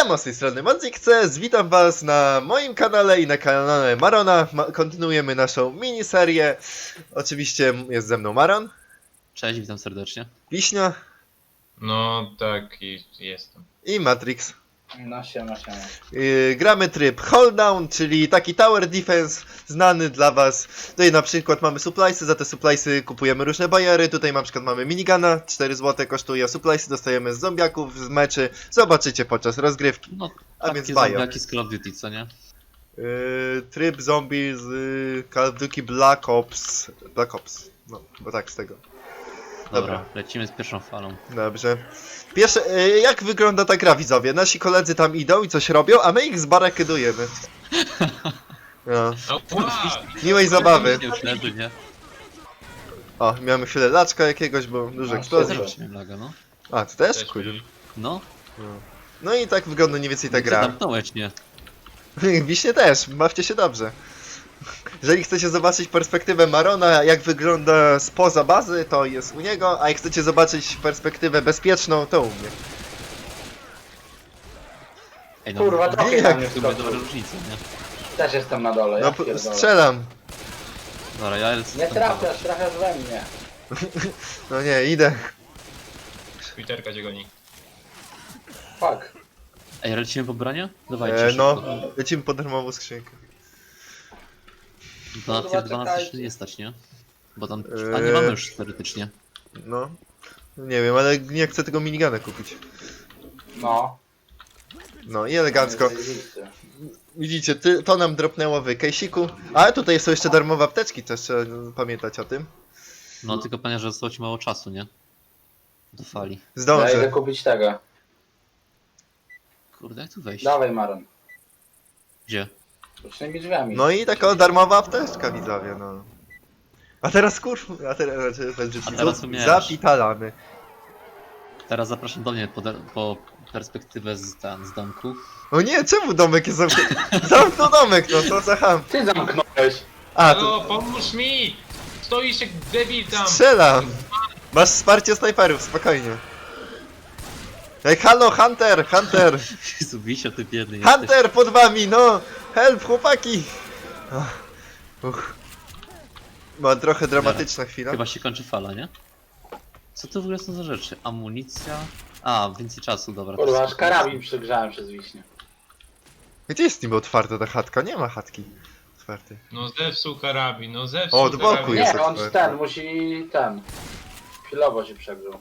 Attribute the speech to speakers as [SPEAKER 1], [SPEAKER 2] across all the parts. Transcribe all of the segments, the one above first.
[SPEAKER 1] Siema, z tej strony Mandzikces, witam was na moim kanale i na kanale Marona. Kontynuujemy naszą miniserię. Oczywiście jest ze mną Maron.
[SPEAKER 2] Cześć, witam serdecznie.
[SPEAKER 1] Wiśnia.
[SPEAKER 3] No tak, i jestem.
[SPEAKER 1] I Matrix.
[SPEAKER 4] No siema.
[SPEAKER 1] Gramy tryb Hold Down, czyli taki tower defense znany dla was. Tutaj na przykład mamy suppliesy, za te suppliesy kupujemy różne bajery. Tutaj na przykład mamy minigana, 4 zł kosztuje, suppliesy dostajemy z zombiaków, z meczy. Zobaczycie podczas rozgrywki.
[SPEAKER 2] No,
[SPEAKER 1] A więc
[SPEAKER 2] takie
[SPEAKER 1] bajo.
[SPEAKER 2] zombiaki z Call of Duty, co nie?
[SPEAKER 1] Tryb zombie z Call of Duty Black Ops. No, bo tak z tego.
[SPEAKER 2] Dobra, lecimy z pierwszą falą.
[SPEAKER 1] Dobrze. Pierwsze, jak wygląda ta gra, widzowie? Nasi koledzy tam idą i coś robią, a my ich zbarakydujemy. No. Miłej zabawy.
[SPEAKER 2] Nie już leży, nie?
[SPEAKER 1] O, miałem chwilę laczka jakiegoś, bo dużo eksplozji.
[SPEAKER 2] Też miałem laga, no.
[SPEAKER 1] A, ty też?
[SPEAKER 3] Też
[SPEAKER 1] Kurde.
[SPEAKER 2] No,
[SPEAKER 1] No i tak wygląda mniej więcej ta
[SPEAKER 2] ty
[SPEAKER 1] gra.
[SPEAKER 2] zamknąłeś, nie?
[SPEAKER 1] Wiśnie też, bawcie się dobrze. Jeżeli chcecie zobaczyć perspektywę Marona, jak wygląda spoza bazy, to jest u niego, a jak chcecie zobaczyć perspektywę bezpieczną, to u mnie.
[SPEAKER 2] Ej,
[SPEAKER 4] Kurwa,
[SPEAKER 1] nie,
[SPEAKER 4] trochę
[SPEAKER 1] jak
[SPEAKER 4] na mnie
[SPEAKER 2] to będzie dobra
[SPEAKER 4] wskoczył.
[SPEAKER 2] różnica, nie?
[SPEAKER 4] Też jestem na dole,
[SPEAKER 1] No,
[SPEAKER 4] ja pierdolę.
[SPEAKER 1] strzelam.
[SPEAKER 2] Dobra, ja lecę
[SPEAKER 4] Nie
[SPEAKER 2] stąd.
[SPEAKER 4] trafiasz we mnie.
[SPEAKER 1] No nie, idę.
[SPEAKER 3] Twitterka cię goni.
[SPEAKER 4] Fuck.
[SPEAKER 2] Ej, lecimy po branie? Dawajcie
[SPEAKER 1] No,
[SPEAKER 2] szybko.
[SPEAKER 1] lecimy po darmową skrzynkę.
[SPEAKER 2] To na
[SPEAKER 4] Kurwa,
[SPEAKER 2] tier 12
[SPEAKER 4] czekajcie.
[SPEAKER 2] się nie stać, nie? Bo tam...
[SPEAKER 1] Eee.
[SPEAKER 2] A nie mamy już teoretycznie.
[SPEAKER 1] No. Nie wiem, ale nie chcę tego minigana kupić.
[SPEAKER 4] No.
[SPEAKER 1] No i elegancko.
[SPEAKER 4] Zajebisty.
[SPEAKER 1] Widzicie, to nam dropnęło w kejsiku. Ale tutaj są jeszcze darmowe apteczki, też trzeba pamiętać o tym.
[SPEAKER 2] No, tylko panie, że zostało ci mało czasu, nie? Do fali.
[SPEAKER 4] Ja idę
[SPEAKER 1] Zdążę.
[SPEAKER 4] kupić tego.
[SPEAKER 2] Kurde, jak tu wejść?
[SPEAKER 4] Dawaj Maron.
[SPEAKER 2] Gdzie?
[SPEAKER 4] Bocznymi drzwiami.
[SPEAKER 1] No i taka darmowa apteczka, widzowie, no. A teraz a teraz
[SPEAKER 2] teraz umiesz.
[SPEAKER 1] zapitalamy.
[SPEAKER 2] Teraz zapraszam do mnie po perspektywę z domku.
[SPEAKER 1] O nie, czemu domek jest zamknięty? Zamknął domek, no co za ham.
[SPEAKER 4] Ty zamknąłeś.
[SPEAKER 1] A, to
[SPEAKER 3] Halo, pomóż mi! Stoisz jak debil tam!
[SPEAKER 1] strzelam. Masz wsparcie snajperów, spokojnie. Ej, halo, Hunter, Hunter!
[SPEAKER 2] Jezu, Wisio, ty biedny jesteś.
[SPEAKER 1] Hunter pod wami, no! Help, chłopaki! Ma trochę dramatyczna chwila.
[SPEAKER 2] Chyba się kończy fala, nie? Co to w ogóle są za rzeczy? Amunicja? A, więcej czasu, dobra. to
[SPEAKER 4] Kurwa,
[SPEAKER 2] jest-
[SPEAKER 4] aż karabin przygrzałem przez wiśnie.
[SPEAKER 1] Gdzie jest niby otwarta ta chatka? Nie ma chatki otwartej.
[SPEAKER 3] No zepsuł karabin, no zepsuł
[SPEAKER 1] O, od boku
[SPEAKER 3] karabin.
[SPEAKER 1] jest.
[SPEAKER 4] Nie, on
[SPEAKER 1] otwarty.
[SPEAKER 4] ten, musi ten. Chwilowo się przegrzał.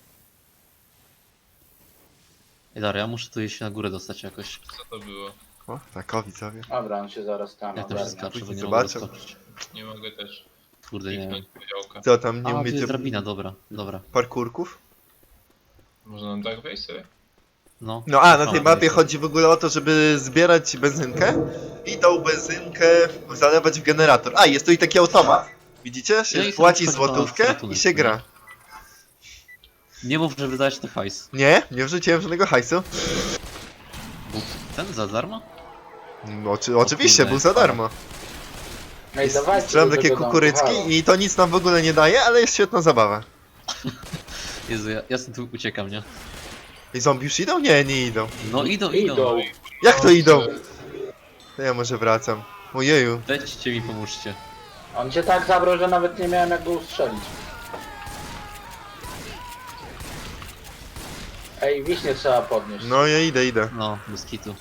[SPEAKER 2] Ej, dobra, ja muszę tu się na górę dostać jakoś.
[SPEAKER 3] Co to było?
[SPEAKER 1] O, tak, o, widzowie.
[SPEAKER 4] Dobra, on się zaraz tam
[SPEAKER 2] Jak to się
[SPEAKER 4] ogarnia.
[SPEAKER 2] skacze, bo nie
[SPEAKER 1] Zobaczę.
[SPEAKER 2] mogę doskoczyć.
[SPEAKER 3] Nie mogę też
[SPEAKER 2] Kurde, nie wiem.
[SPEAKER 3] kliknąć podziałka.
[SPEAKER 1] Co tam, nie
[SPEAKER 2] A, tu
[SPEAKER 1] umiecie
[SPEAKER 2] jest drabina, dobra, dobra.
[SPEAKER 1] parkurków?
[SPEAKER 3] Można nam tak wejść sobie?
[SPEAKER 2] No.
[SPEAKER 1] No a, na tej
[SPEAKER 2] O,
[SPEAKER 1] mapie
[SPEAKER 2] jest.
[SPEAKER 1] chodzi w ogóle o to, żeby zbierać benzynkę i tą benzynkę zalewać w generator. A, jest tu i taki automat. Widzicie?
[SPEAKER 2] No
[SPEAKER 1] Się
[SPEAKER 2] i
[SPEAKER 1] płaci
[SPEAKER 2] to
[SPEAKER 1] złotówkę
[SPEAKER 2] ratunek,
[SPEAKER 1] i się
[SPEAKER 2] nie?
[SPEAKER 1] gra.
[SPEAKER 2] Nie mów, że wydałeś to hajs.
[SPEAKER 1] Nie wrzuciłem żadnego hajsu.
[SPEAKER 2] Był ten za darmo?
[SPEAKER 1] No, oczywiście,
[SPEAKER 2] kurde,
[SPEAKER 1] był za darmo.
[SPEAKER 4] Ej, dawajcie
[SPEAKER 1] Strzelam
[SPEAKER 4] do
[SPEAKER 1] takie
[SPEAKER 4] tego domku,
[SPEAKER 1] kukurycki
[SPEAKER 4] halo.
[SPEAKER 1] i to nic nam w ogóle nie daje, ale jest świetna zabawa.
[SPEAKER 2] Jezu, ja stąd tu uciekam, nie?
[SPEAKER 1] I zombie już idą? Nie, nie idą.
[SPEAKER 2] No idą.
[SPEAKER 4] Idą.
[SPEAKER 1] Jak to idą? To ja może wracam. Ojeju.
[SPEAKER 2] Weźcie mi, pomóżcie.
[SPEAKER 4] On cię tak zabrał, że nawet nie miałem jak go ustrzelić. Ej, wiśnie trzeba podnieść.
[SPEAKER 1] No ja idę.
[SPEAKER 2] No, bez kitu.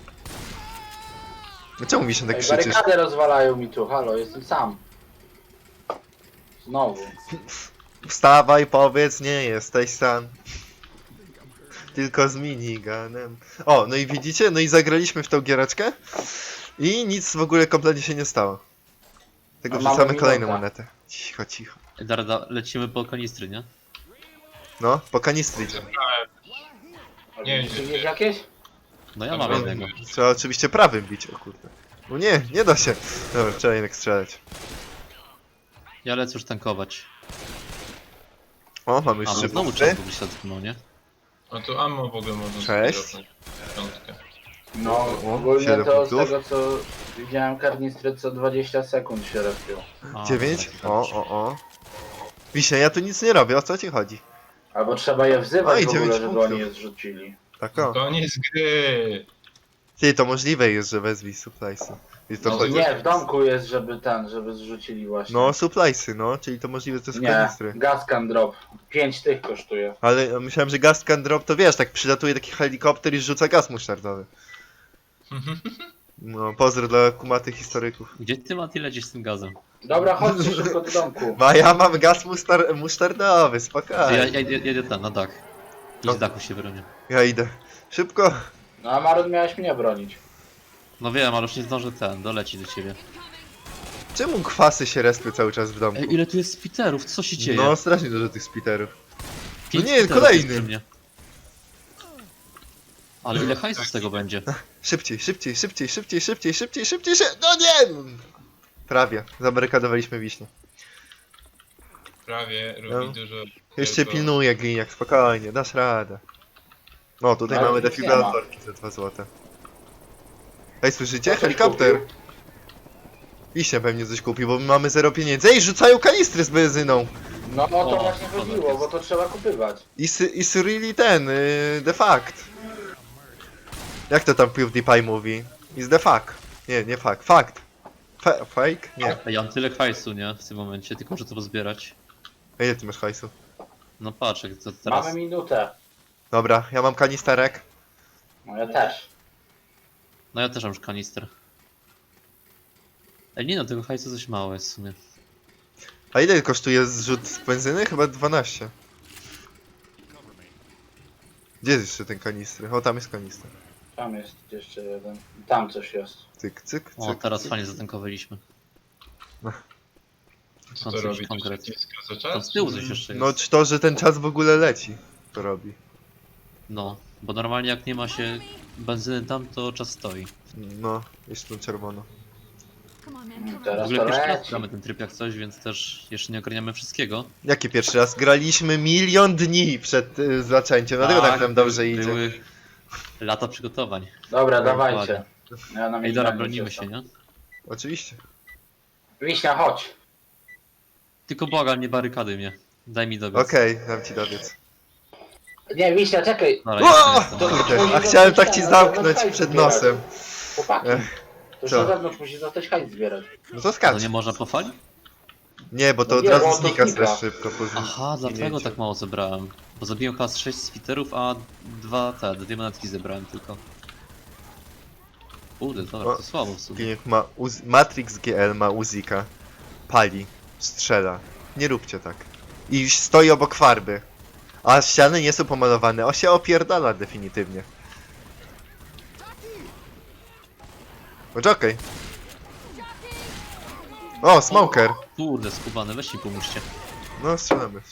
[SPEAKER 1] Czemu mi się tak
[SPEAKER 4] Ej,
[SPEAKER 1] krzyczysz?
[SPEAKER 4] barykadę rozwalają mi tu, halo, jestem sam. Znowu.
[SPEAKER 1] Wstawaj, powiedz, nie jesteś sam. Tylko z miniganem. O, no i widzicie? No i zagraliśmy w tą giereczkę. I nic w ogóle kompletnie się nie stało. Tego
[SPEAKER 4] A mamy
[SPEAKER 1] wrzucamy kolejną
[SPEAKER 4] minutę.
[SPEAKER 1] monetę. Cicho.
[SPEAKER 2] Ej, Darda, lecimy po kanistry, nie?
[SPEAKER 1] No, po kanistry idziemy.
[SPEAKER 3] Nie,
[SPEAKER 4] Czy gdzieś jakieś?
[SPEAKER 2] No ja
[SPEAKER 3] Dobra,
[SPEAKER 2] mam jednego.
[SPEAKER 1] Trzeba oczywiście prawym bić, o kurde. No nie da się. Dobra, trzeba jednak strzelać.
[SPEAKER 2] Ja lecę już tankować.
[SPEAKER 1] O, mamy
[SPEAKER 2] A,
[SPEAKER 1] już
[SPEAKER 2] no
[SPEAKER 1] trzy
[SPEAKER 2] znowu
[SPEAKER 1] punkty.
[SPEAKER 2] czas by się dotknął, nie?
[SPEAKER 3] No to ammo w ogóle można
[SPEAKER 1] Cześć.
[SPEAKER 3] sobie dropnąć. Piątkę.
[SPEAKER 4] No,
[SPEAKER 1] O,
[SPEAKER 4] ogólnie
[SPEAKER 1] 7
[SPEAKER 4] to z
[SPEAKER 1] punktów.
[SPEAKER 4] tego co widziałem, karnistry co 20 sekund się respią.
[SPEAKER 2] A,
[SPEAKER 1] 9?
[SPEAKER 2] dobra,
[SPEAKER 1] O. Wiśnia, ja tu nic nie robię, o co ci chodzi?
[SPEAKER 4] Albo trzeba je
[SPEAKER 1] Oj,
[SPEAKER 4] wzywać w
[SPEAKER 1] 9
[SPEAKER 4] ogóle, żeby
[SPEAKER 1] punktów.
[SPEAKER 4] oni je zrzucili.
[SPEAKER 1] Tak o.
[SPEAKER 3] Koniec gry!
[SPEAKER 1] Ty, to możliwe jest, że wezwij suppliesy. I to
[SPEAKER 3] No,
[SPEAKER 1] chodzi...
[SPEAKER 4] Nie, w domku jest, żeby zrzucili właśnie.
[SPEAKER 1] No, suppliesy, no, czyli to możliwe, że to są
[SPEAKER 4] Nie,
[SPEAKER 1] kanistry.
[SPEAKER 4] gas can drop. 5 tych kosztuje.
[SPEAKER 1] Ale myślałem, że gas can drop to wiesz, tak przylatuje taki helikopter i rzuca gaz musztardowy. No, pozdro dla kumatych historyków.
[SPEAKER 2] Gdzie ty, Mati, lecisz z tym gazem?
[SPEAKER 4] Dobra, chodźcie szybko do domku.
[SPEAKER 1] No, a ja mam gaz musztardowy,
[SPEAKER 2] Ja
[SPEAKER 1] spokojnie.
[SPEAKER 2] jedę tam, na dach. I
[SPEAKER 1] No.
[SPEAKER 2] z dachu się bronię.
[SPEAKER 1] Ja idę. Szybko.
[SPEAKER 4] No a Marun miałeś mnie bronić.
[SPEAKER 2] No wiem, ale już nie zdążę doleci do ciebie.
[SPEAKER 1] Czemu kwasy się respią cały czas w domku?
[SPEAKER 2] Ej, ile tu jest spiterów? Co się dzieje?
[SPEAKER 1] No, strasznie dużo tych spiterów.
[SPEAKER 2] 5
[SPEAKER 1] nie,
[SPEAKER 2] spiterów
[SPEAKER 1] kolejny.
[SPEAKER 2] jest przy mnie. Ale ile hajsu z tego będzie?
[SPEAKER 1] Szybciej, szybciej, szybciej, szybciej, szybciej, szybciej, szybciej, No nie! Prawie. Zabarykadowaliśmy wiśnie.
[SPEAKER 3] Prawie
[SPEAKER 1] No.
[SPEAKER 3] robi dużo.
[SPEAKER 1] Jeszcze
[SPEAKER 3] tylko-
[SPEAKER 1] pilnuję, gliniak, spokojnie, dasz radę. No, tutaj
[SPEAKER 4] Ale
[SPEAKER 1] mamy
[SPEAKER 4] nic
[SPEAKER 1] defibrylatorki za 2 złote. Ej, słyszycie?
[SPEAKER 4] Ktoś
[SPEAKER 1] Helikopter!
[SPEAKER 4] kupił?
[SPEAKER 1] Wiśnia pewnie coś kupi, bo my mamy 0 pieniędzy. Ej, rzucają kanistry z benzyną!
[SPEAKER 4] No o to
[SPEAKER 2] O,
[SPEAKER 4] właśnie
[SPEAKER 2] to
[SPEAKER 4] chodziło,
[SPEAKER 2] jest.
[SPEAKER 4] bo to trzeba kupywać.
[SPEAKER 1] Is really ten, the fact. Jak to tam PewDiePie mówi? Is the fact. Nie, nie fact. Fact. Fake? Nie.
[SPEAKER 2] Ej, ja mam tyle hajsu, nie? W tym momencie, tylko muszę to pozbierać.
[SPEAKER 1] A ile ty masz hajsu?
[SPEAKER 2] No patrz, jak to teraz...
[SPEAKER 4] Mamy minutę.
[SPEAKER 1] Dobra, ja mam kanisterek.
[SPEAKER 4] No ja też.
[SPEAKER 2] No ja też mam już kanister. Ej, nie no, tego hajsu coś mało jest w sumie.
[SPEAKER 1] A ile kosztuje zrzut z benzyny? Chyba 12. Gdzie jest jeszcze ten kanistry? O, tam jest kanister.
[SPEAKER 4] Tam jest jeszcze jeden. Tam coś jest.
[SPEAKER 1] Cyk, cyk,
[SPEAKER 2] O,
[SPEAKER 1] cyk.
[SPEAKER 2] teraz
[SPEAKER 1] cyk.
[SPEAKER 2] fajnie zatankowaliśmy.
[SPEAKER 3] Co
[SPEAKER 2] Tam
[SPEAKER 3] to
[SPEAKER 2] coś
[SPEAKER 3] robi? To
[SPEAKER 2] konkret.
[SPEAKER 3] się skraca
[SPEAKER 2] Tam
[SPEAKER 3] czas?
[SPEAKER 2] z tyłu coś jeszcze jest.
[SPEAKER 1] No, czy to, że ten czas w ogóle leci, to robi.
[SPEAKER 2] No, bo normalnie jak nie ma się benzyny tam, to czas stoi.
[SPEAKER 1] No, jeszcze to czerwono.
[SPEAKER 5] Come on, man. Come
[SPEAKER 2] W
[SPEAKER 4] Teraz
[SPEAKER 2] ogóle
[SPEAKER 4] to
[SPEAKER 2] pierwszy raz
[SPEAKER 4] leci.
[SPEAKER 2] gramy ten tryb jak coś, więc też jeszcze nie ogarniamy wszystkiego.
[SPEAKER 1] Jaki pierwszy raz? Graliśmy 1 000 000 dni przed zaczęciem, dlatego tak nam dobrze idzie.
[SPEAKER 2] Były lata przygotowań.
[SPEAKER 4] Dobra,
[SPEAKER 2] Dokładnie.
[SPEAKER 4] dawajcie. Ja na
[SPEAKER 2] Ej, dobra,
[SPEAKER 4] minimalnie
[SPEAKER 2] bronimy
[SPEAKER 4] jestem.
[SPEAKER 2] się, nie?
[SPEAKER 1] Oczywiście.
[SPEAKER 4] Wiśnia, chodź.
[SPEAKER 2] Tylko błagam, nie barykady mnie. Daj mi dobiec.
[SPEAKER 1] Okej, dam ci dobiec.
[SPEAKER 4] Nie, Wiśnia, czekaj.
[SPEAKER 2] Dobra, ja
[SPEAKER 1] O!
[SPEAKER 2] jestem.
[SPEAKER 1] Kurde, a chciałem tak ci zamknąć przed nosem.
[SPEAKER 4] Chłopaki, to już
[SPEAKER 1] co?
[SPEAKER 4] na zewnątrz musi zostać hajs zbierać.
[SPEAKER 1] No to
[SPEAKER 2] No
[SPEAKER 1] skacz.
[SPEAKER 2] nie można po fali?
[SPEAKER 1] Nie, bo to
[SPEAKER 4] No
[SPEAKER 1] od
[SPEAKER 4] nie,
[SPEAKER 1] razu
[SPEAKER 4] bo to
[SPEAKER 1] znika
[SPEAKER 4] znika.
[SPEAKER 1] strasznie szybko po
[SPEAKER 2] Aha, dlatego
[SPEAKER 1] zginięciu.
[SPEAKER 2] tak mało zebrałem. Bo zabiłem chyba z 6 spiterów, a dwie monetki zebrałem tylko. Kurde, dobra,
[SPEAKER 1] O,
[SPEAKER 2] to słabo w sumie.
[SPEAKER 1] Gliniak ma Matrix GL ma Uzika. Pali. Strzela. Nie róbcie tak. I stoi obok farby. A ściany nie są pomalowane. O się opierdala definitywnie. Poczekaj. O, smoker.
[SPEAKER 2] Kurde, skubany, weź mi pomóżcie.
[SPEAKER 1] No, strzelamy.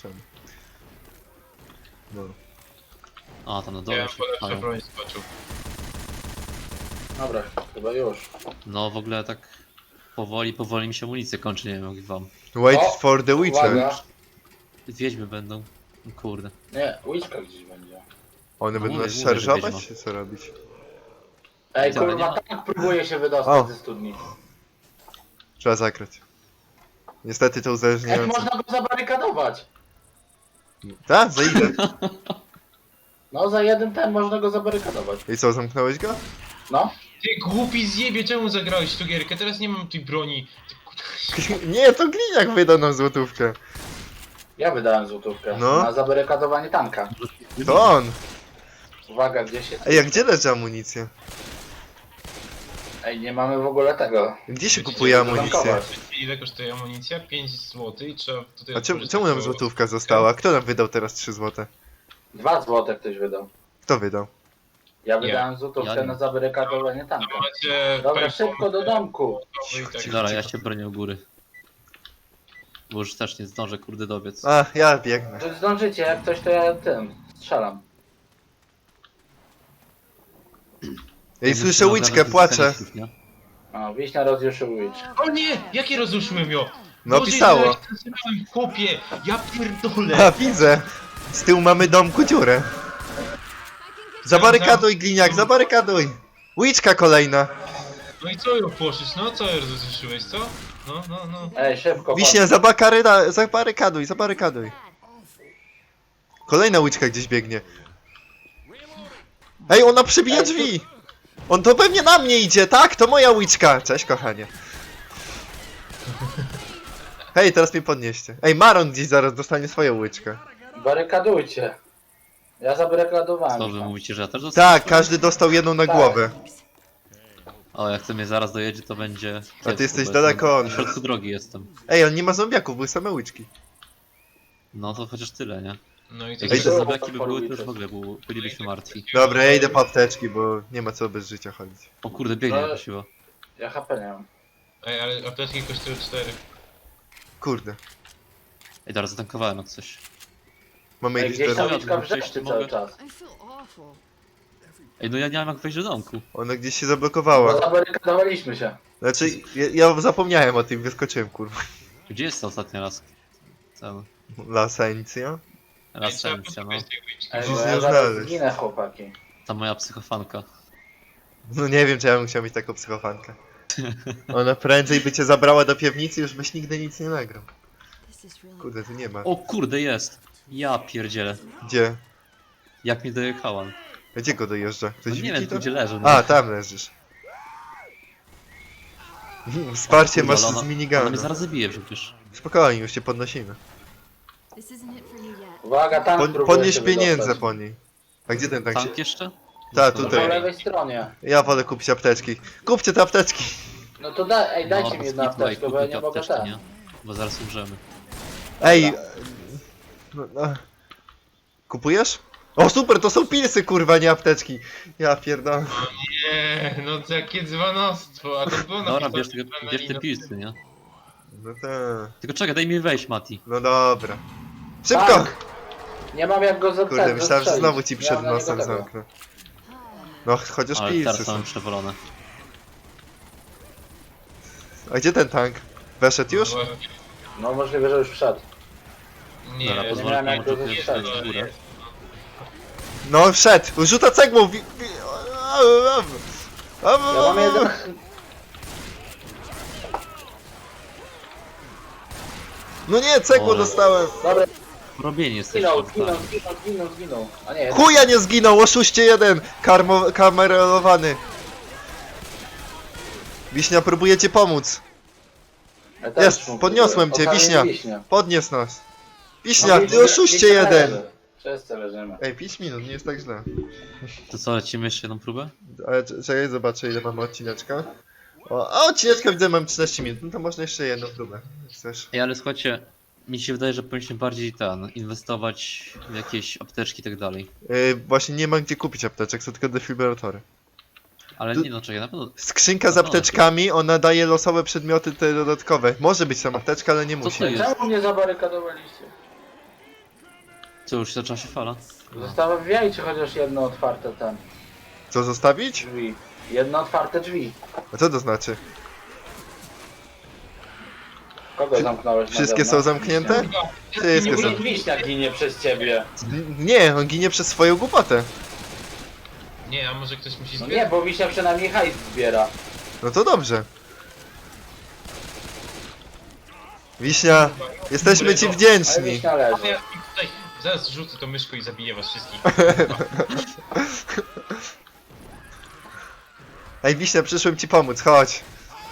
[SPEAKER 1] No.
[SPEAKER 2] A, tam na
[SPEAKER 3] Ja
[SPEAKER 2] dole
[SPEAKER 3] bym
[SPEAKER 2] się
[SPEAKER 3] po lepsze
[SPEAKER 2] pchają.
[SPEAKER 3] broń skoczył.
[SPEAKER 4] Dobra, chyba już.
[SPEAKER 2] No w ogóle tak powoli mi się amunicja kończy, nie wiem jak wam.
[SPEAKER 1] Wait
[SPEAKER 4] O,
[SPEAKER 1] for the Witcher.
[SPEAKER 4] Uwaga.
[SPEAKER 2] Wiedźmy będą. Kurde.
[SPEAKER 4] Nie, łyczka gdzieś będzie.
[SPEAKER 1] One
[SPEAKER 2] No
[SPEAKER 1] będą
[SPEAKER 2] mówię,
[SPEAKER 1] nas
[SPEAKER 2] mówię, że
[SPEAKER 1] szarżować,
[SPEAKER 2] wiedźma.
[SPEAKER 1] czy co robić?
[SPEAKER 4] Ej,
[SPEAKER 2] Dobra,
[SPEAKER 4] kurwa,
[SPEAKER 2] nie ma-
[SPEAKER 4] tak próbuje się wydostać
[SPEAKER 1] O.
[SPEAKER 4] ze studni.
[SPEAKER 1] Trzeba zakrać. Niestety to
[SPEAKER 4] Jak
[SPEAKER 1] uzależniające.
[SPEAKER 4] można go zabarykadować?
[SPEAKER 1] Tak, za ile?
[SPEAKER 4] No, za jeden ten można go zabarykadować.
[SPEAKER 1] I co, zamknąłeś go?
[SPEAKER 4] No.
[SPEAKER 3] Ty głupi zjebie, czemu zagrałeś w tą gierkę? Teraz nie mam tej broni. Ty kurwa.
[SPEAKER 1] Nie, to Gliniak wydał nam złotówkę.
[SPEAKER 4] Ja wydałem złotówkę
[SPEAKER 1] No.
[SPEAKER 4] na zabarykadowanie tanka.
[SPEAKER 1] To on.
[SPEAKER 4] Uwaga, gdzie się...
[SPEAKER 1] Ej, a gdzie leży amunicja?
[SPEAKER 4] Ej, nie mamy w ogóle tego.
[SPEAKER 1] Gdzie się
[SPEAKER 3] Wiecie,
[SPEAKER 1] kupuje
[SPEAKER 3] że
[SPEAKER 1] amunicję?
[SPEAKER 4] zatankować.
[SPEAKER 3] Ile kosztuje amunicja? 5 zł i trzeba tutaj...
[SPEAKER 1] A czemu
[SPEAKER 3] otworzyć
[SPEAKER 1] nam
[SPEAKER 3] taką-
[SPEAKER 1] złotówka została? Kto nam wydał teraz 3 złote?
[SPEAKER 4] 2 złote ktoś wydał.
[SPEAKER 1] Kto wydał?
[SPEAKER 4] Ja wydałem złotówkę
[SPEAKER 2] Ja nie.
[SPEAKER 4] na zabarykadowanie tanka.
[SPEAKER 3] Macie...
[SPEAKER 4] Dobra,
[SPEAKER 3] fajną-
[SPEAKER 4] szybko do domku.
[SPEAKER 3] i tak.
[SPEAKER 2] Dobra, ja się bronię u góry. Bo już też nie zdążę kurde dobiec.
[SPEAKER 1] A, ja biegnę.
[SPEAKER 4] To zdążycie, jak coś to ja tym strzelam.
[SPEAKER 1] Ej,
[SPEAKER 2] Ja
[SPEAKER 1] słyszę
[SPEAKER 2] muszę
[SPEAKER 1] łyczkę,
[SPEAKER 2] ogarnąć
[SPEAKER 1] płacze.
[SPEAKER 2] kanistów, nie?
[SPEAKER 4] O, Wiśnia rozjuszył łycz.
[SPEAKER 3] O nie! Jakie rozruszyłem ją?
[SPEAKER 1] No
[SPEAKER 3] Boże,
[SPEAKER 1] pisało.
[SPEAKER 3] ile ja zaczynałem, chłopie! Ja pierdolę!
[SPEAKER 1] A, widzę. Z tyłu mamy domku dziurę. Zabarykaduj, Gliniak, zabarykaduj. Łyczka kolejna.
[SPEAKER 3] No i co ją poszlisz? No co ją rozruszyłeś, co? No.
[SPEAKER 4] Ej, szybko.
[SPEAKER 1] Wiśnia, zabarykaduj, zabarykaduj. Kolejna łyczka gdzieś biegnie. Ej, ona przebija
[SPEAKER 4] Ej,
[SPEAKER 1] drzwi! On to pewnie na mnie idzie, tak? To moja łyczka! Cześć, kochanie. Hej, teraz mnie podnieście. Ej, Maron gdzieś zaraz dostanie swoją łyczkę.
[SPEAKER 4] Barykadujcie. Ja zabarykadowałem.
[SPEAKER 2] Co wy
[SPEAKER 4] tam.
[SPEAKER 2] mówicie, że ja też dostałem?
[SPEAKER 1] Tak, każdy dostał jedną na
[SPEAKER 4] Tak.
[SPEAKER 1] głowę.
[SPEAKER 2] O, jak to mnie zaraz dojedzie, to będzie...
[SPEAKER 1] A ty jesteś
[SPEAKER 2] bo
[SPEAKER 1] daleko
[SPEAKER 2] jestem-
[SPEAKER 1] od
[SPEAKER 2] W środku drogi jestem.
[SPEAKER 1] Ej, on nie ma zombiaków, były same łyczki.
[SPEAKER 2] No to chociaż tyle, nie?
[SPEAKER 3] No i
[SPEAKER 2] Jak
[SPEAKER 3] co?
[SPEAKER 1] Ej,
[SPEAKER 2] jeszcze
[SPEAKER 1] to-
[SPEAKER 2] zombiaki by były, to już w ogóle bylibyśmy martwi.
[SPEAKER 1] Dobra, ja idę po apteczki, bo nie ma co bez życia chodzić.
[SPEAKER 2] O kurde, biegnie
[SPEAKER 4] No.
[SPEAKER 2] jakaś siła.
[SPEAKER 4] Ja HP nie mam.
[SPEAKER 3] Ej, ale apteczki kosztują 4.
[SPEAKER 1] Kurde.
[SPEAKER 2] Ej, teraz zatankowałem jak coś.
[SPEAKER 1] Mamy
[SPEAKER 4] Ej,
[SPEAKER 1] jakiś
[SPEAKER 4] gdzieś ta
[SPEAKER 1] teraz...
[SPEAKER 4] łyczka
[SPEAKER 2] Przejść
[SPEAKER 4] wrzeszczy
[SPEAKER 2] mogę?
[SPEAKER 4] cały czas.
[SPEAKER 5] I feel awful.
[SPEAKER 2] Ej, no ja nie mam jak wejść do domku.
[SPEAKER 1] Ona gdzieś się
[SPEAKER 4] Bo
[SPEAKER 1] zablokowała.
[SPEAKER 4] zabarykadowaliśmy się.
[SPEAKER 1] Znaczy, ja zapomniałem o tym, wyskoczyłem, kurwa.
[SPEAKER 2] Gdzie jest to ostatni raz? Ten...
[SPEAKER 1] Lasencja?
[SPEAKER 2] Rasencja, no.
[SPEAKER 4] Ej,
[SPEAKER 1] Gdzieś
[SPEAKER 4] bo
[SPEAKER 1] nie
[SPEAKER 4] ja zaraz
[SPEAKER 1] znaleźć.
[SPEAKER 4] zginę, chłopaki.
[SPEAKER 2] Ta moja psychofanka.
[SPEAKER 1] No nie wiem, czy ja bym chciał mieć taką psychofankę. Ona prędzej by cię zabrała do piwnicy, już byś nigdy nic nie nagrał.
[SPEAKER 5] This is really
[SPEAKER 1] Kurde, tu nie ma.
[SPEAKER 2] O kurde, jest! Ja pierdzielę.
[SPEAKER 1] Gdzie?
[SPEAKER 2] Jak mi dojechałam.
[SPEAKER 1] Gdzie go dojeżdża?
[SPEAKER 2] No
[SPEAKER 1] Ktoś
[SPEAKER 2] nie
[SPEAKER 1] widzi
[SPEAKER 2] wiem, tu
[SPEAKER 1] to?
[SPEAKER 2] gdzie leży. No.
[SPEAKER 1] A, tam leżysz. Wsparcie
[SPEAKER 2] Kurde,
[SPEAKER 1] masz
[SPEAKER 2] ale
[SPEAKER 1] z
[SPEAKER 2] Ona mnie
[SPEAKER 1] miniganu.
[SPEAKER 2] zaraz zabije przecież.
[SPEAKER 1] Spokojnie, już cię podnosimy.
[SPEAKER 5] This isn't it for you yet.
[SPEAKER 4] Uwaga, tank próbuje
[SPEAKER 1] Podnieś
[SPEAKER 4] się
[SPEAKER 1] pieniądze
[SPEAKER 4] wydostać.
[SPEAKER 1] po niej. A gdzie ten tank się...
[SPEAKER 2] Tank jeszcze?
[SPEAKER 1] Ta,
[SPEAKER 4] Po
[SPEAKER 1] tutaj.
[SPEAKER 4] lewej stronie.
[SPEAKER 1] Ja wolę kupić apteczki. Kupcie te apteczki!
[SPEAKER 4] No to dajcie mi jedną
[SPEAKER 2] skipnij,
[SPEAKER 4] apteczkę, bo ja
[SPEAKER 2] kupię
[SPEAKER 4] nie mogę
[SPEAKER 2] apteczki,
[SPEAKER 4] tak.
[SPEAKER 2] nie? Bo zaraz umrzemy.
[SPEAKER 1] Ej! No. Kupujesz? O super, to są pilsy, kurwa, nie apteczki. Ja pierdolę.
[SPEAKER 3] Nie, no to jakie dzwonostwo, a to było
[SPEAKER 2] Dobra,
[SPEAKER 3] napisane,
[SPEAKER 2] bierz,
[SPEAKER 3] że
[SPEAKER 2] bierz te
[SPEAKER 3] na-
[SPEAKER 2] pilsy, nie?
[SPEAKER 1] No tak.
[SPEAKER 2] Tylko czekaj, daj mi wejść, Mati.
[SPEAKER 1] No dobra. Szybko!
[SPEAKER 4] Tank! Nie mam jak go zatrzymać.
[SPEAKER 1] Kurde, myślałem, że znowu ci przed nosem
[SPEAKER 4] zamknę.
[SPEAKER 1] zamknę. No, chociaż
[SPEAKER 2] Ale
[SPEAKER 1] pilsy
[SPEAKER 2] teraz
[SPEAKER 1] są.
[SPEAKER 2] mamy przewolone.
[SPEAKER 1] A gdzie ten tank? Weszedł już?
[SPEAKER 4] No możliwe, że już wszedł.
[SPEAKER 3] Nie,
[SPEAKER 2] Dobra,
[SPEAKER 3] nie
[SPEAKER 2] pozwolę
[SPEAKER 4] miałem
[SPEAKER 2] komu
[SPEAKER 4] jak go
[SPEAKER 2] tu
[SPEAKER 4] zestrzelić.
[SPEAKER 2] wejść w górę.
[SPEAKER 1] No, wszedł! Rzuca cegłą!
[SPEAKER 4] Ja mam jeden...
[SPEAKER 1] No nie, cegłą
[SPEAKER 2] Ole.
[SPEAKER 1] dostałem!
[SPEAKER 4] Dobra,
[SPEAKER 2] Robienie jesteś
[SPEAKER 4] zginął. A nie,
[SPEAKER 1] Chuja nie zginął, oszuście jeden! Kamerelowany. Wiśnia, próbuje cię pomóc.
[SPEAKER 4] ja też
[SPEAKER 1] Jest,
[SPEAKER 4] mu
[SPEAKER 1] podniosłem cię,
[SPEAKER 4] próbuję.
[SPEAKER 1] Wiśnia. Podnies nas.
[SPEAKER 4] No,
[SPEAKER 1] Wiśnia, ty oszuście jeden!
[SPEAKER 4] leży. Wszyscy leżymy.
[SPEAKER 1] Ej, 5 minut, nie jest tak źle.
[SPEAKER 2] To co, lecimy jeszcze jedną próbę?
[SPEAKER 1] Ale czekaj, zobaczę ile mamy odcineczka. O, odcineczka widzę, mam 13 minut, no to można jeszcze jedną próbę. Jak chcesz.
[SPEAKER 2] Ej, ale słuchajcie, mi się wydaje, że powinniśmy bardziej inwestować w jakieś apteczki i tak dalej.
[SPEAKER 1] Właśnie nie ma gdzie kupić apteczek, są tylko defibrylotory.
[SPEAKER 2] Ale
[SPEAKER 1] Tu-
[SPEAKER 2] nie no, czekaj, na pewno...
[SPEAKER 1] Skrzynka z apteczkami, ona daje losowe przedmioty te dodatkowe. Może być tam apteczka, ale nie
[SPEAKER 2] Co
[SPEAKER 1] musi.
[SPEAKER 2] to jest?
[SPEAKER 4] Czemu mnie zabarykadowaliście?
[SPEAKER 2] Co, już zaczęła się fala?
[SPEAKER 4] Zostawiajcie chociaż jedno otwarte ten
[SPEAKER 1] Co zostawić?
[SPEAKER 4] drzwi. Jedno otwarte drzwi.
[SPEAKER 1] A co to znaczy?
[SPEAKER 4] Kogo zamknąłeś na
[SPEAKER 1] Wszystkie są
[SPEAKER 4] zewnątrz?
[SPEAKER 1] zamknięte? Wszystkie są.
[SPEAKER 4] Wiśnia ginie przez ciebie.
[SPEAKER 1] Nie, on ginie przez swoją głupotę.
[SPEAKER 3] Nie, a może ktoś musi
[SPEAKER 4] No
[SPEAKER 3] zbierać?
[SPEAKER 4] nie, bo Wiśnia przynajmniej hajs zbiera.
[SPEAKER 1] No to dobrze. Wiśnia, jesteśmy ci
[SPEAKER 4] Ale
[SPEAKER 1] wdzięczni.
[SPEAKER 4] Wiśnia
[SPEAKER 3] A
[SPEAKER 4] leży.
[SPEAKER 3] ja tutaj zaraz rzucę to myszką i zabiję was wszystkich.
[SPEAKER 1] Ej, Wiśnia, przyszłem ci pomóc, chodź.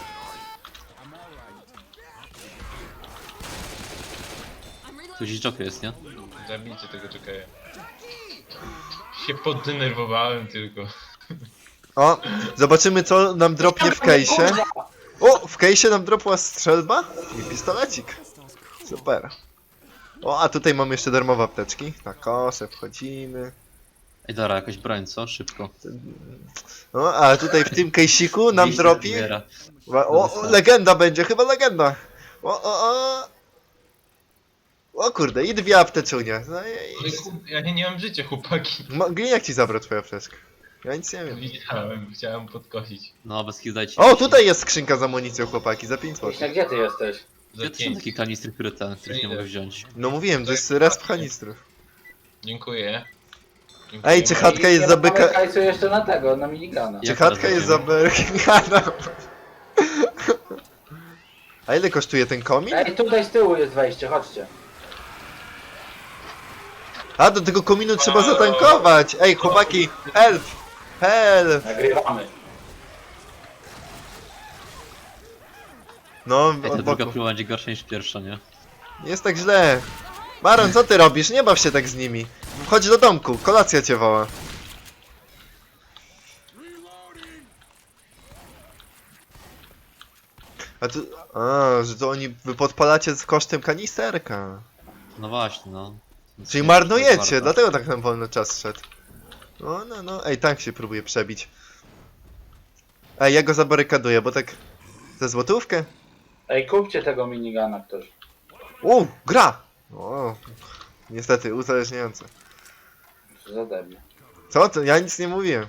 [SPEAKER 2] Tu gdzieś Joker jest, nie?
[SPEAKER 3] Zabijcie tego czekaja. Się poddenerwowałem tylko.
[SPEAKER 1] O, zobaczymy co nam dropnie w kejsie. O, w kejsie nam dropła strzelba i pistolecik. Super. O, a tutaj mamy jeszcze darmowe apteczki. Na kosę wchodzimy.
[SPEAKER 2] Ej, dobra, jakaś broń, co? Szybko.
[SPEAKER 1] No, a tutaj w tym kejsiku nam
[SPEAKER 2] Wiśnia
[SPEAKER 1] dropi.
[SPEAKER 2] zbiera.
[SPEAKER 1] O, legenda będzie, chyba legenda. O. O kurde, i dwie apteczunie. No
[SPEAKER 3] Ale
[SPEAKER 1] i...
[SPEAKER 3] kurde, ja nie mam życia, chłopaki.
[SPEAKER 1] Gliniak ci zabrał twoją apteczkę. Ja nic nie wiem.
[SPEAKER 3] Widziałem, chciałem podkosić.
[SPEAKER 2] No, bez chwil dajcie.
[SPEAKER 1] O, tutaj jest skrzynka z amunicją, chłopaki, za 5 zł.
[SPEAKER 4] Wiśnia, gdzie ty jesteś?
[SPEAKER 3] Za
[SPEAKER 2] Gdzie to są
[SPEAKER 3] 5.
[SPEAKER 2] takie kanistry, których nie mogę wziąć?
[SPEAKER 1] No mówiłem, to jest resp kanistrów.
[SPEAKER 3] Dziękuję. Dziękuję.
[SPEAKER 1] Ej, czy chatka jest
[SPEAKER 4] Nie
[SPEAKER 1] za
[SPEAKER 4] mamy
[SPEAKER 1] byka...
[SPEAKER 4] hajsu jeszcze na tego, na minigana.
[SPEAKER 1] Czy
[SPEAKER 2] Jak
[SPEAKER 1] chatka
[SPEAKER 2] teraz
[SPEAKER 1] jest za
[SPEAKER 2] zrobimy?
[SPEAKER 1] Berkingana? A ile kosztuje ten komin?
[SPEAKER 4] Ej, tutaj z tyłu jest wejście, chodźcie.
[SPEAKER 1] A, do tego kominu trzeba zatankować! Ej, chłopaki, help! Hel!
[SPEAKER 4] Nagrywamy.
[SPEAKER 1] No,
[SPEAKER 2] Ej, ta
[SPEAKER 1] od
[SPEAKER 2] druga
[SPEAKER 1] boku.
[SPEAKER 2] próba będzie gorsza niż pierwsza, nie?
[SPEAKER 1] Nie jest tak źle. Baron, co ty robisz? Nie baw się tak z nimi. Chodź do domku, kolacja cię woła. A tu... A, że to oni... Wy podpalacie z kosztem kanisterka.
[SPEAKER 2] No właśnie, no.
[SPEAKER 1] Czyli
[SPEAKER 2] Nie,
[SPEAKER 1] marnujecie,
[SPEAKER 2] warto.
[SPEAKER 1] dlatego tak nam wolno czas szedł. No. Ej, tank się próbuje przebić. Ej, ja go zabarykaduję, bo tak... Za złotówkę?
[SPEAKER 4] Ej, kupcie tego minigana ktoś.
[SPEAKER 1] Gra! O, niestety, uzależniające.
[SPEAKER 4] Co za debil.
[SPEAKER 1] Co? To ja nic nie mówiłem.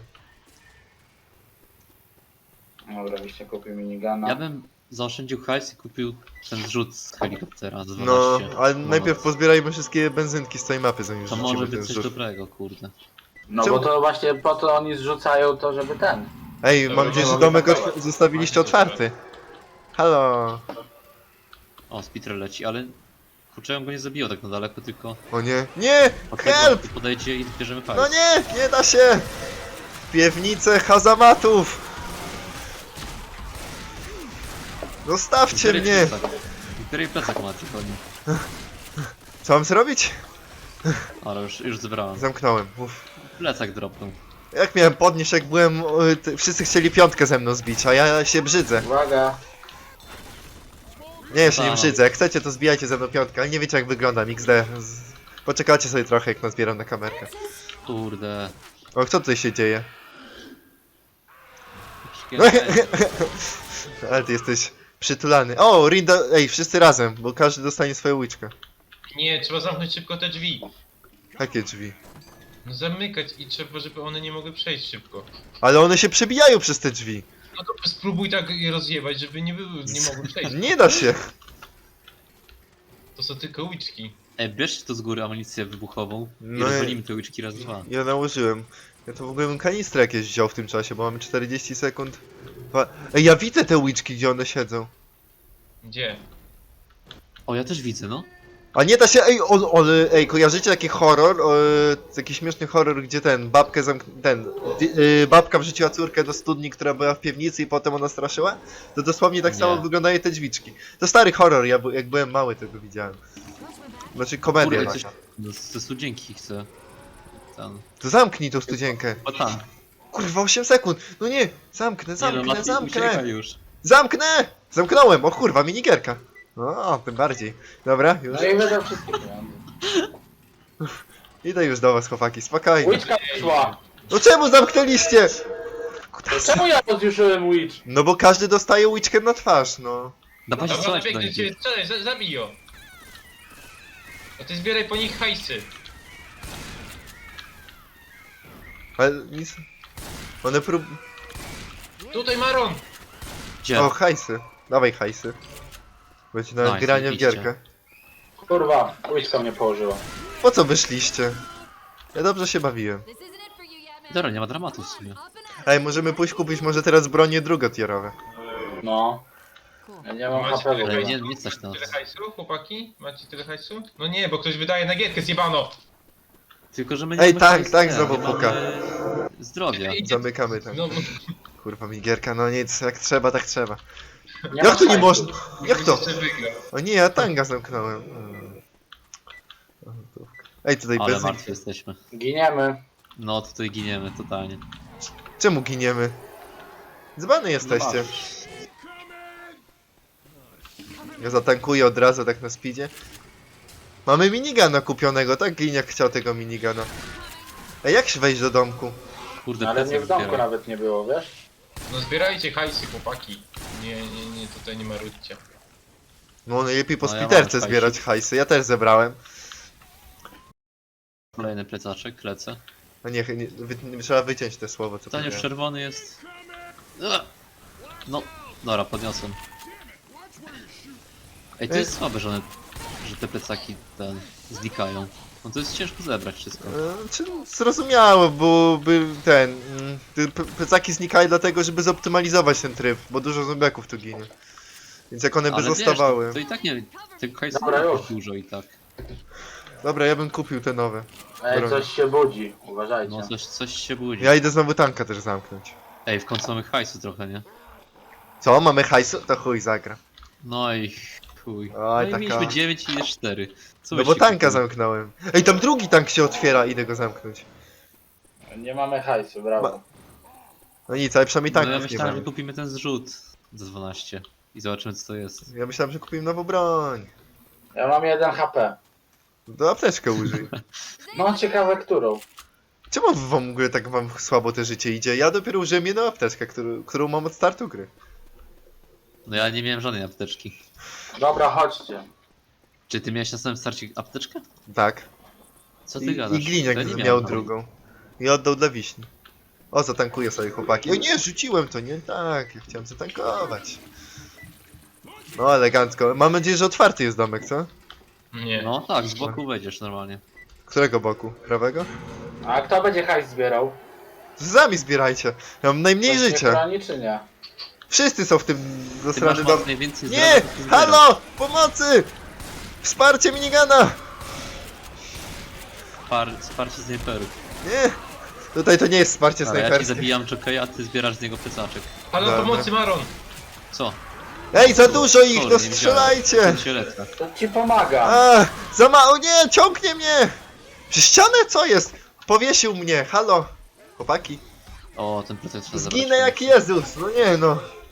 [SPEAKER 4] Dobra, byście kupił minigana.
[SPEAKER 2] Ja bym zaoszczędził hajs i kupił ten zrzut z helikoptera z 12.
[SPEAKER 1] No, ale
[SPEAKER 2] monet.
[SPEAKER 1] najpierw pozbierajmy wszystkie benzynki z tej mapy, zanim
[SPEAKER 2] To
[SPEAKER 1] rzucimy
[SPEAKER 2] może
[SPEAKER 1] ten
[SPEAKER 2] być coś
[SPEAKER 1] zrzut.
[SPEAKER 2] dobrego, kurde.
[SPEAKER 4] No
[SPEAKER 1] Czemu?
[SPEAKER 4] bo to właśnie po to oni zrzucają to, żeby ten.
[SPEAKER 1] Ej,
[SPEAKER 3] Dobra,
[SPEAKER 1] mam nadzieję, że
[SPEAKER 4] mogę
[SPEAKER 1] domek
[SPEAKER 4] pakować.
[SPEAKER 1] zostawiliście otwarty. Halo.
[SPEAKER 2] O, Spitter leci, ale... Kurczę, ja bym go nie zabiło tak na daleko, tylko...
[SPEAKER 1] O nie. Nie!
[SPEAKER 2] od tego
[SPEAKER 1] Help!
[SPEAKER 2] podejdzie i bierzemy hajs.
[SPEAKER 1] No nie da się! Piewnice hazamatów! Zostawcie mnie!
[SPEAKER 2] Który plecak macie, koni?
[SPEAKER 1] Co mam zrobić?
[SPEAKER 2] Ale już zebrałem.
[SPEAKER 1] Zamknąłem. Uf.
[SPEAKER 2] Plecak dropnął.
[SPEAKER 1] Jak miałem podnieść, jak byłem... Wszyscy chcieli piątkę ze mną zbić, a ja się brzydzę.
[SPEAKER 4] Uwaga.
[SPEAKER 1] Nie, ja się nie
[SPEAKER 2] Tak.
[SPEAKER 1] brzydzę. Jak chcecie, to zbijajcie ze mną piątkę, ale nie wiecie jak wyglądam XD. Poczekajcie sobie trochę, jak nazbieram na kamerkę.
[SPEAKER 2] Kurde.
[SPEAKER 1] O, co tutaj się dzieje?
[SPEAKER 2] Jakiś
[SPEAKER 1] Ale ty jesteś przytulany. O, Rinda... Ej, wszyscy razem, bo każdy dostanie swoją łyczkę.
[SPEAKER 3] Nie, trzeba zamknąć szybko te drzwi.
[SPEAKER 1] Jakie drzwi?
[SPEAKER 3] No zamykać i trzeba, żeby one nie mogły przejść szybko.
[SPEAKER 1] Ale one się przebijają przez te drzwi.
[SPEAKER 3] No to spróbuj tak je rozjebać, żeby nie mogły przejść.
[SPEAKER 1] Nie da się.
[SPEAKER 3] To są tylko łyczki.
[SPEAKER 2] Ej, bierzcie to z góry amunicję wybuchową i
[SPEAKER 1] No
[SPEAKER 2] rozwalimy te łyczki raz dwa.
[SPEAKER 1] Ja nałożyłem. Ja to w ogóle bym kanistrę jakieś wziął w tym czasie, bo mamy 40 sekund. Ej, ja widzę te łyczki, gdzie one siedzą.
[SPEAKER 3] Gdzie?
[SPEAKER 2] O, ja też widzę, no.
[SPEAKER 1] A nie da się, ej, kojarzycie taki horror, taki śmieszny horror, gdzie babkę babka wrzuciła córkę do studni, która była w piwnicy i potem ona straszyła? To dosłownie tak
[SPEAKER 2] Nie.
[SPEAKER 1] samo wyglądają te drzwiczki. To stary horror, jak byłem mały tego widziałem. Znaczy komedia
[SPEAKER 2] Kurde, coś...
[SPEAKER 1] taka.
[SPEAKER 2] Ze studzienki chcę. Ten...
[SPEAKER 1] To zamknij tą studzienkę.
[SPEAKER 2] O tam.
[SPEAKER 1] Kurwa, 8 sekund. No nie, zamknę.
[SPEAKER 2] Uciekaj już.
[SPEAKER 1] Zamknę! Zamknąłem! O kurwa, minigierka. O, tym bardziej. Dobra, już.
[SPEAKER 4] No i wydał wszystkie pieniądze.
[SPEAKER 1] Idę już do was, chłopaki, spokojnie.
[SPEAKER 4] Łyczka wyszła.
[SPEAKER 1] No czemu zamknęliście?
[SPEAKER 4] Czemu ja rozjuszyłem łycz?
[SPEAKER 1] No bo każdy dostaje łyczkę na twarz, no.
[SPEAKER 2] Dawajcie,
[SPEAKER 3] Dobra,
[SPEAKER 2] strzelać do
[SPEAKER 3] biegnę
[SPEAKER 2] nich.
[SPEAKER 3] cię, strzelaj, zabij ją. A ty zbieraj po nich hajsy.
[SPEAKER 1] Ale nic... One
[SPEAKER 3] Tutaj Maron!
[SPEAKER 2] Gdzie?
[SPEAKER 1] O, hajsy. Dawaj hajsy. Będzie na
[SPEAKER 2] Nice,
[SPEAKER 1] granie w
[SPEAKER 2] zajebiście.
[SPEAKER 1] gierkę.
[SPEAKER 4] Kurwa, łyczka mnie położyła.
[SPEAKER 1] Po co wyszliście? Ja dobrze się bawiłem.
[SPEAKER 5] This isn't it for you yet, man.
[SPEAKER 2] Dobra, nie ma dramatu w sumie.
[SPEAKER 5] Up and out.
[SPEAKER 1] Ej, możemy pójść kupić może teraz bronie drugotierowe.
[SPEAKER 4] No.
[SPEAKER 5] Cool.
[SPEAKER 4] Ja nie mam
[SPEAKER 3] Macie
[SPEAKER 4] HP w ogóle.
[SPEAKER 2] Ale nie stać nas.
[SPEAKER 3] Tyle hajsu, chłopaki? Macie tyle hajsu? No nie, bo ktoś wydaje na gierkę, zjebano!
[SPEAKER 2] Tylko, że my
[SPEAKER 1] Ej,
[SPEAKER 2] mamy
[SPEAKER 1] tank,
[SPEAKER 2] hajs,
[SPEAKER 1] tank
[SPEAKER 2] nie,
[SPEAKER 1] znowu
[SPEAKER 2] nie mamy
[SPEAKER 1] puka.
[SPEAKER 2] Zdrowia.
[SPEAKER 1] Zamykamy tam.
[SPEAKER 3] No,
[SPEAKER 1] Kurwa, minigierka, no nic, jak trzeba, tak trzeba.
[SPEAKER 4] Nie ma
[SPEAKER 1] Jak to nie
[SPEAKER 4] hajsu.
[SPEAKER 1] można? Jak to?
[SPEAKER 3] jeszcze wygra.
[SPEAKER 1] O nie, ja tanga zamknąłem. Ej, tutaj
[SPEAKER 2] Ale
[SPEAKER 1] bez...
[SPEAKER 2] martwi jesteśmy.
[SPEAKER 4] Giniemy.
[SPEAKER 2] No, tutaj giniemy totalnie.
[SPEAKER 1] Czemu giniemy? Dzbany jesteście. Ja zatankuję od razu tak na speedzie. Mamy minigana kupionego, tak? Gliniak chciał tego minigana. Ej, jak się wejść do domku?
[SPEAKER 2] Kurde,
[SPEAKER 4] Ale mnie
[SPEAKER 2] plecak
[SPEAKER 4] w domku
[SPEAKER 2] zbieram.
[SPEAKER 4] nawet nie było, wiesz?
[SPEAKER 3] No zbierajcie hajsy, chłopaki. Nie, tutaj nie marudźcie.
[SPEAKER 1] No najlepiej po
[SPEAKER 2] No, ja
[SPEAKER 1] spiterce
[SPEAKER 2] mam
[SPEAKER 1] zbierać hajsy, ja też zebrałem.
[SPEAKER 2] Kolejny plecaczek, lecę.
[SPEAKER 1] A nie, trzeba wyciąć te słowo, co
[SPEAKER 2] Ten już
[SPEAKER 1] powiedziałem.
[SPEAKER 2] czerwony jest. No, dobra, podniosłem. Ej, to jest słabe, że te plecaki znikają. No to jest ciężko zebrać wszystko.
[SPEAKER 1] Czy zrozumiałe, bo te plecaki znikają dlatego, żeby zoptymalizować ten tryb, bo dużo zombiaków tu ginie. Więc jak one by
[SPEAKER 2] Ale
[SPEAKER 1] zostawały...
[SPEAKER 2] Wiesz, to i tak nie, tego hajsu
[SPEAKER 4] Dobra,
[SPEAKER 2] nie
[SPEAKER 4] już.
[SPEAKER 2] jest dużo i tak.
[SPEAKER 1] Dobra, ja bym kupił te nowe.
[SPEAKER 4] Ej,
[SPEAKER 1] Drogo.
[SPEAKER 4] coś się budzi, uważajcie.
[SPEAKER 2] No coś się budzi.
[SPEAKER 1] Ja idę znowu tanka też zamknąć.
[SPEAKER 2] Ej, w końcu mamy hajsu trochę, nie?
[SPEAKER 1] Co, mamy hajsu? To chuj zagra.
[SPEAKER 2] No i chuj.
[SPEAKER 1] Oj,
[SPEAKER 2] No i
[SPEAKER 1] taka-
[SPEAKER 2] mieliśmy 9 i jest 4. Co
[SPEAKER 1] No bo
[SPEAKER 2] byście
[SPEAKER 1] tanka
[SPEAKER 2] kupili?
[SPEAKER 1] zamknąłem. Ej, tam drugi tank się otwiera, idę go zamknąć.
[SPEAKER 4] Nie mamy hajsu, brawo.
[SPEAKER 1] No nic, ale przynajmniej
[SPEAKER 2] No ja
[SPEAKER 1] tanków nie
[SPEAKER 2] myślałem, że
[SPEAKER 1] mamy.
[SPEAKER 2] kupimy ten zrzut za 12 i zobaczymy co to jest.
[SPEAKER 1] Ja myślałem, że kupimy nową broń.
[SPEAKER 4] Ja mam 1 HP.
[SPEAKER 1] Do apteczkę użyj.
[SPEAKER 4] No ciekawe którą.
[SPEAKER 1] Czemu w ogóle tak wam słabo te życie idzie? Ja dopiero użyłem jedną apteczkę, którą mam od startu gry.
[SPEAKER 2] No ja nie miałem żadnej apteczki.
[SPEAKER 4] Dobra, chodźcie.
[SPEAKER 2] Czy ty miałeś na samym starcie apteczkę?
[SPEAKER 1] Tak.
[SPEAKER 2] Co ty
[SPEAKER 1] I
[SPEAKER 2] gadasz?
[SPEAKER 1] gliniak
[SPEAKER 2] Ja nie
[SPEAKER 1] miał
[SPEAKER 2] miałem.
[SPEAKER 1] drugą. I oddał dla wiśni. O, zatankuję sobie chłopaki. O nie, rzuciłem to, nie? Tak, ja chciałem zatankować. No, elegancko. Mam nadzieję, że otwarty jest domek, co?
[SPEAKER 3] Nie.
[SPEAKER 2] No tak, z boku wejdziesz normalnie.
[SPEAKER 1] Którego boku? Prawego?
[SPEAKER 4] A kto będzie hajs zbierał?
[SPEAKER 1] Sami zbierajcie. Ja mam najmniej
[SPEAKER 4] Ktoś mnie
[SPEAKER 1] życia.
[SPEAKER 4] chroni, czy nie?
[SPEAKER 1] Wszyscy są w tym
[SPEAKER 2] Ty
[SPEAKER 1] zasrany
[SPEAKER 2] masz
[SPEAKER 1] dom.
[SPEAKER 2] moc najwięcej
[SPEAKER 1] Nie!
[SPEAKER 2] zdrowia, to ty zbierasz.
[SPEAKER 1] Halo! Pomocy! Wsparcie minigana!
[SPEAKER 2] Wsparcie snajperów.
[SPEAKER 1] Nie! Tutaj to nie jest wsparcie
[SPEAKER 2] Ale ja ci
[SPEAKER 1] snajperskie.
[SPEAKER 2] zabijam Jokeja, a ty zbierasz z niego plecaczek.
[SPEAKER 3] Halo,
[SPEAKER 1] Dobra.
[SPEAKER 3] pomocy, Maron!
[SPEAKER 2] Co?
[SPEAKER 1] Ej, za dużo ich,
[SPEAKER 2] Sorry,
[SPEAKER 1] no
[SPEAKER 2] nie
[SPEAKER 1] strzelajcie!
[SPEAKER 2] Sielecka.
[SPEAKER 4] To ci pomaga.
[SPEAKER 1] A, za mało, nie, ciągnie mnie! Przy ścianę co jest? Powiesił mnie, halo! Chłopaki,
[SPEAKER 2] O, ten plecak trzeba zabrać.
[SPEAKER 1] zginę jak Jezus, no nie no.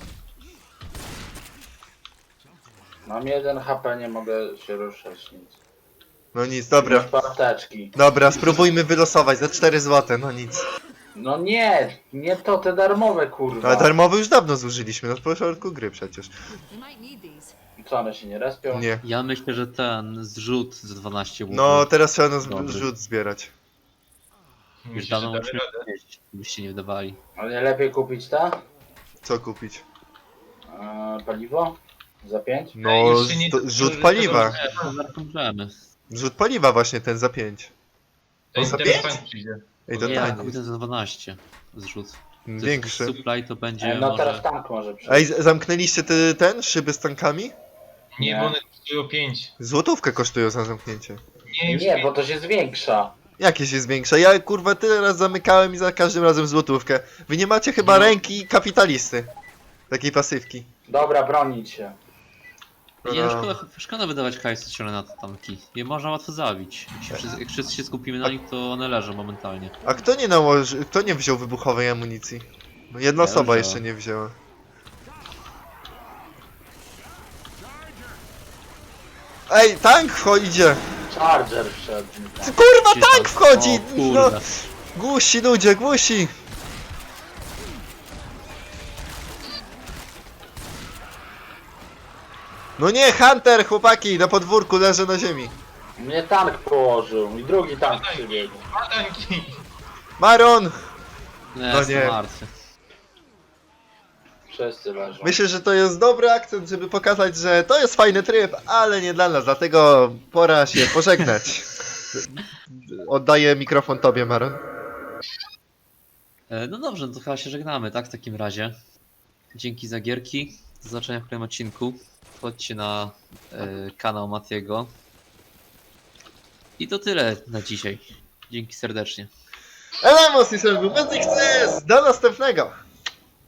[SPEAKER 4] Mam 1 HP, nie mogę się ruszać nic.
[SPEAKER 1] No nic, dobra.
[SPEAKER 4] Już apteczki.
[SPEAKER 1] Dobra, spróbujmy wylosować za 4 zł, no nic.
[SPEAKER 4] No nie, nie to, te darmowe kurwa.
[SPEAKER 1] Ale darmowy już dawno zużyliśmy, na początku gry przecież.
[SPEAKER 5] You might need these.
[SPEAKER 4] Co, one się nie respią?
[SPEAKER 1] Nie.
[SPEAKER 2] Ja myślę, że ten zrzut za 12 łupów.
[SPEAKER 1] No, teraz trzeba na
[SPEAKER 2] Dobry.
[SPEAKER 1] rzut zbierać.
[SPEAKER 2] Już
[SPEAKER 3] Myślisz,
[SPEAKER 2] dawno
[SPEAKER 3] że
[SPEAKER 2] musimy
[SPEAKER 3] damy radę?
[SPEAKER 2] jeść, byście nie wydawali.
[SPEAKER 4] Ale nie lepiej kupić ta?
[SPEAKER 1] Co kupić?
[SPEAKER 4] Paliwo? Za 5?
[SPEAKER 1] No,
[SPEAKER 3] już się nie-
[SPEAKER 1] rzut paliwa.
[SPEAKER 2] Możemy.
[SPEAKER 1] Rzut paliwa właśnie, ten za 5.
[SPEAKER 3] To
[SPEAKER 1] za
[SPEAKER 3] teraz
[SPEAKER 1] 5?
[SPEAKER 3] tank przyjdzie.
[SPEAKER 1] Ej, to
[SPEAKER 2] Nie,
[SPEAKER 1] tani.
[SPEAKER 2] kupię ten za 12 zrzut.
[SPEAKER 1] Większy.
[SPEAKER 2] Supply to będzie
[SPEAKER 4] No
[SPEAKER 2] może...
[SPEAKER 4] teraz tank może przyjść.
[SPEAKER 1] Ej, zamknęliście ten szyby z tankami?
[SPEAKER 3] Nie,
[SPEAKER 4] Nie.
[SPEAKER 3] bo one kosztują 5.
[SPEAKER 1] Złotówkę kosztują za zamknięcie.
[SPEAKER 3] Nie, już
[SPEAKER 4] Nie, bo to się zwiększa.
[SPEAKER 1] Jakie się zwiększa? Ja kurwa tyle raz zamykałem i za każdym razem złotówkę. Wy nie macie chyba
[SPEAKER 2] No.
[SPEAKER 1] ręki kapitalisty. Takiej pasywki.
[SPEAKER 4] Dobra, bronić się.
[SPEAKER 2] Nie, no
[SPEAKER 1] No.
[SPEAKER 2] szkoda wydawać hajsu ciągle na te tanki. Je można łatwo zabić. Jak wszyscy się skupimy na nich, to one leżą momentalnie.
[SPEAKER 1] A kto nie nałoży, kto nie wziął wybuchowej amunicji? No jedna
[SPEAKER 2] Ja
[SPEAKER 1] osoba
[SPEAKER 2] wziąłem.
[SPEAKER 1] jeszcze nie wzięła. Ej, tank idzie!
[SPEAKER 4] Charger wszedł.
[SPEAKER 1] Ty, kurwa,
[SPEAKER 2] Ci
[SPEAKER 1] tank wchodzi!
[SPEAKER 2] O
[SPEAKER 1] No,
[SPEAKER 2] kurde.
[SPEAKER 1] głusi ludzie, głusi! No nie, Hunter, chłopaki, na podwórku leży na ziemi.
[SPEAKER 4] Mnie tank położył i drugi tank przybiegł.
[SPEAKER 3] A tanki!
[SPEAKER 1] Maron!
[SPEAKER 2] Nie,
[SPEAKER 1] No
[SPEAKER 2] jestem
[SPEAKER 1] nie.
[SPEAKER 2] martwy.
[SPEAKER 4] Wszyscy leżą.
[SPEAKER 1] Myślę, że to jest dobry akcent, żeby pokazać, że to jest fajny tryb, ale nie dla nas, dlatego pora się pożegnać. Oddaję mikrofon tobie, Maron.
[SPEAKER 2] No dobrze, no to chyba się żegnamy, tak? W takim razie. Dzięki za gierki. Do zobaczenia w kolejnym odcinku. Chodźcie na kanał Matiego. I to tyle na dzisiaj. Dzięki serdecznie.
[SPEAKER 1] Elamos i Serbu, do następnego!